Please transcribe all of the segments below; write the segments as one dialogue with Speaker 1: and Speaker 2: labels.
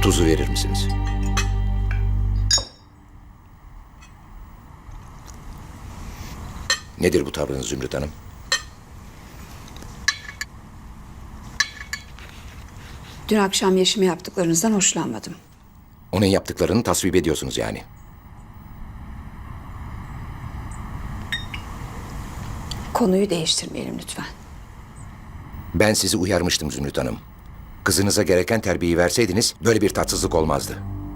Speaker 1: Tuzu verir misiniz? Nedir bu tavrınız Zümrüt Hanım?
Speaker 2: Dün akşam Yeşim'e yaptıklarınızdan hoşlanmadım.
Speaker 1: Onun yaptıklarını tasvip ediyorsunuz yani.
Speaker 2: Konuyu değiştirmeyelim lütfen.
Speaker 1: Ben sizi uyarmıştım Zümrüt Hanım. Kızınıza gereken terbiyeyi verseydiniz böyle bir tatsızlık olmazdı.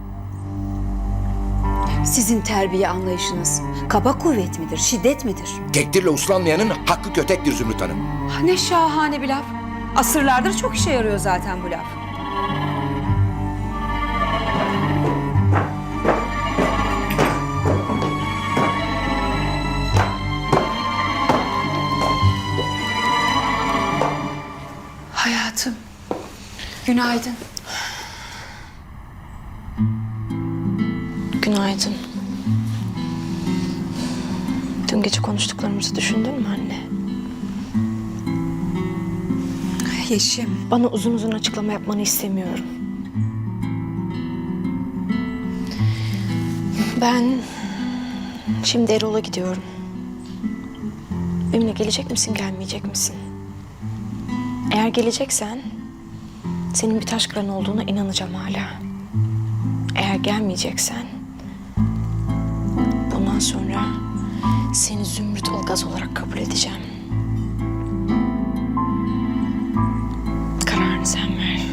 Speaker 2: Sizin terbiye anlayışınız kaba kuvvet midir, şiddet midir?
Speaker 1: Tekdirle uslanmayanın hakkı kötektir Zümrüt Hanım.
Speaker 2: Ne şahane bir laf. Asırlardır çok işe yarıyor zaten bu laf. Hayatım, günaydın.
Speaker 3: Günaydın. Dün gece konuştuklarımızı düşündün mü anne?
Speaker 2: Yeşim,
Speaker 3: Bana uzun uzun açıklama yapmanı istemiyorum. Ben şimdi Erol'a gidiyorum. Benimle gelecek misin, gelmeyecek misin? Eğer geleceksen senin bir taş kıran olduğuna inanacağım hala. Eğer gelmeyeceksen bundan sonra seni Zümrüt Ilgaz olarak kabul edeceğim. Kararını sen ver.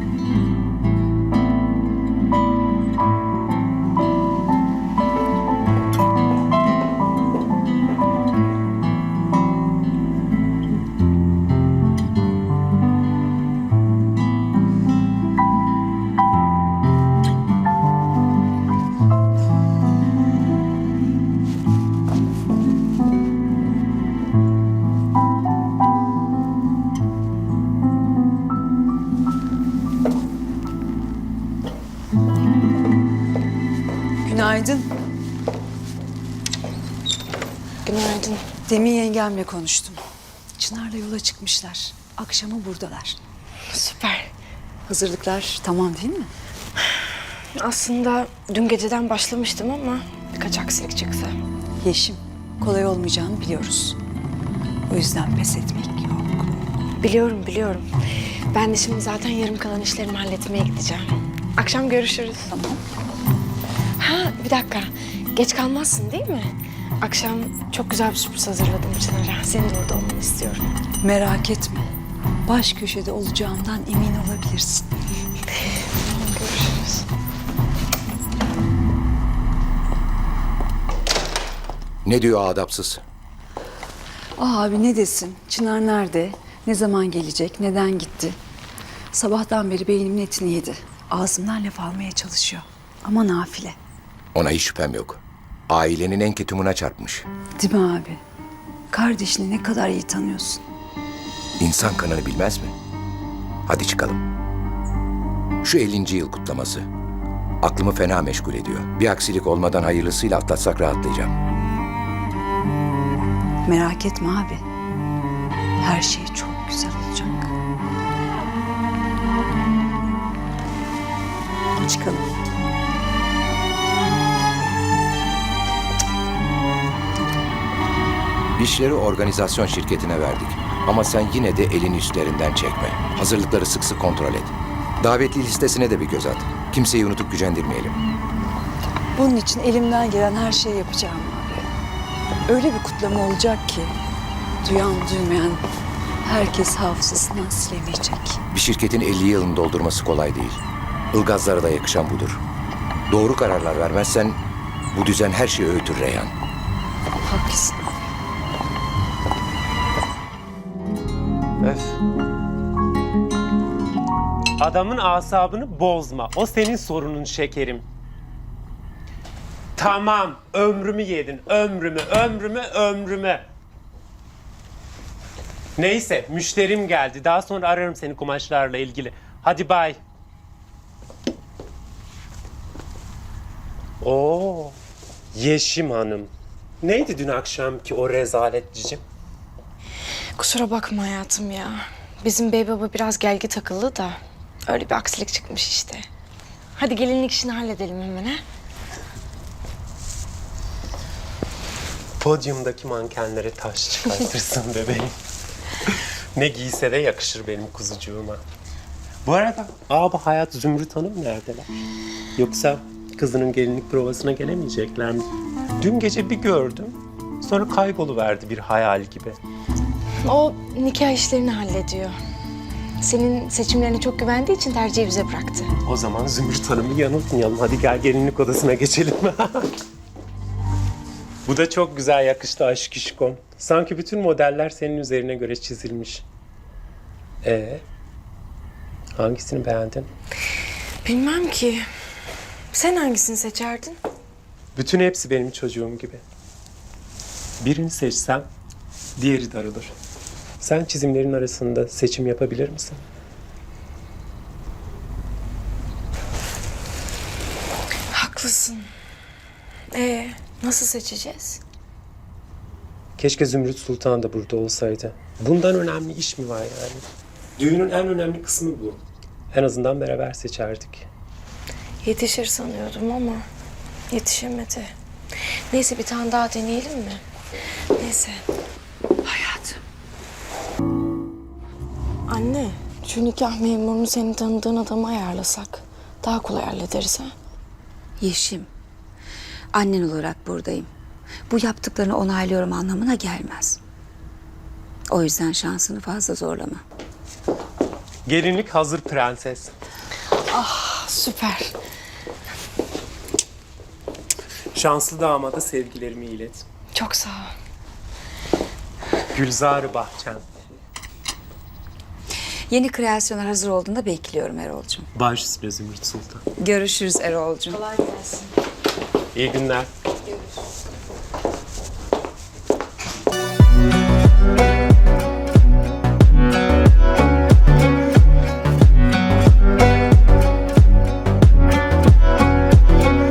Speaker 4: Günaydın.
Speaker 3: Günaydın.
Speaker 4: Demin yengemle konuştum. Çınar'la yola çıkmışlar. Akşama buradalar.
Speaker 3: Süper.
Speaker 4: Hazırlıklar tamam değil mi?
Speaker 3: Aslında dün geceden başlamıştım ama birkaç aksilik çıktı.
Speaker 4: Yeşim, kolay olmayacağını biliyoruz. O yüzden pes etmek yok.
Speaker 3: Biliyorum. Ben de şimdi zaten yarım kalan işlerimi halletmeye gideceğim. Akşam görüşürüz.
Speaker 4: Tamam.
Speaker 3: Ha, bir dakika. Geç kalmazsın değil mi? Akşam çok güzel bir sürpriz hazırladım Çınar'a. Senin de orada olmanı istiyorum.
Speaker 4: Merak etme. Baş köşede olacağımdan emin olabilirsin.
Speaker 3: Görüşürüz.
Speaker 1: Ne diyor adapsız?
Speaker 4: Abi ne desin? Çınar nerede? Ne zaman gelecek? Neden gitti? Sabahtan beri beynimin etini yedi. Ağzımdan laf almaya çalışıyor. Ama nafile.
Speaker 1: Ona hiç şüphem yok. Ailenin en ketumuna çarpmış.
Speaker 4: Değil mi abi? Kardeşini ne kadar iyi tanıyorsun.
Speaker 1: İnsan kanını bilmez mi? Hadi çıkalım. Şu 50. yıl kutlaması. Aklımı fena meşgul ediyor. Bir aksilik olmadan hayırlısıyla atlatsak rahatlayacağım.
Speaker 4: Merak etme abi. Her şey çok güzel olacak. Çıkalım.
Speaker 1: İşleri organizasyon şirketine verdik. Ama sen yine de elini üstlerinden çekme. Hazırlıkları sık sık kontrol et. Davetli listesine de bir göz at. Kimseyi unutup gücendirmeyelim.
Speaker 4: Bunun için elimden gelen her şeyi yapacağım abi. Öyle bir kutlama olacak ki duyan duymayan herkes hafızasından silemeyecek.
Speaker 1: Bir şirketin 50 yılını doldurması kolay değil. Ilgazlara da yakışan budur. Doğru kararlar vermezsen bu düzen her şeyi öğütür Reyhan.
Speaker 4: Haklısın abi.
Speaker 5: Öf. Adamın asabını bozma. O senin sorunun şekerim. Tamam, ömrümü yedin. Ömrümü. Neyse, müşterim geldi. Daha sonra ararım seni kumaşlarla ilgili. Hadi bay. Oo, Yeşim Hanım. Neydi dün akşamki o rezalet cicim?
Speaker 3: Kusura bakma hayatım ya. Bizim bey baba biraz gelgi takıldı da öyle bir aksilik çıkmış işte. Hadi gelinlik işini halledelim hemen ha.
Speaker 5: Podyumdaki mankenlere taş çıkartırsın bebeğim. Ne giyse de yakışır benim kuzucuğuma. Bu arada abi Hayat, Zümrüt Hanım neredeler? Yoksa kızının gelinlik provasına gelemeyecekler mi? Dün gece bir gördüm. Sonra kayboluverdi bir hayal gibi.
Speaker 3: O nikah işlerini hallediyor. Senin seçimlerine çok güvendiği için tercihi bize bıraktı.
Speaker 5: O zaman Zümrüt Hanım'ı yanıltmayalım. Hadi gel gelinlik odasına geçelim. Bu da çok güzel yakıştı aşk işkom. Sanki bütün modeller senin üzerine göre çizilmiş. Hangisini beğendin?
Speaker 3: Bilmem ki. Sen hangisini seçerdin?
Speaker 5: Bütün hepsi benim çocuğum gibi. Birini seçsem diğeri darılır. Sen çizimlerin arasında seçim yapabilir misin?
Speaker 3: Haklısın. Nasıl seçeceğiz?
Speaker 5: Keşke Zümrüt Sultan da burada olsaydı. Bundan önemli iş mi var yani? Düğünün en önemli kısmı bu. En azından beraber seçerdik.
Speaker 3: Yetişir sanıyordum ama yetişemedi. Neyse bir tane daha deneyelim mi? Neyse.
Speaker 4: Hayatım.
Speaker 3: Anne, şu nikah memurunu senin tanıdığın adama ayarlasak daha kolay hallederiz ha.
Speaker 4: Yeşim, annen olarak buradayım. Bu yaptıklarını onaylıyorum anlamına gelmez. O yüzden şansını fazla zorlama.
Speaker 5: Gelinlik hazır prenses.
Speaker 3: Süper.
Speaker 5: Şanslı damada sevgilerimi ilet.
Speaker 3: Çok sağ ol.
Speaker 5: Gülzar-ı Bahçem.
Speaker 4: Yeni kreasyonlar hazır olduğunda bekliyorum Erol'cum.
Speaker 5: Baş üstüne Zümrüt Sultan.
Speaker 4: Görüşürüz Erol'cum.
Speaker 3: Kolay gelsin.
Speaker 5: İyi günler.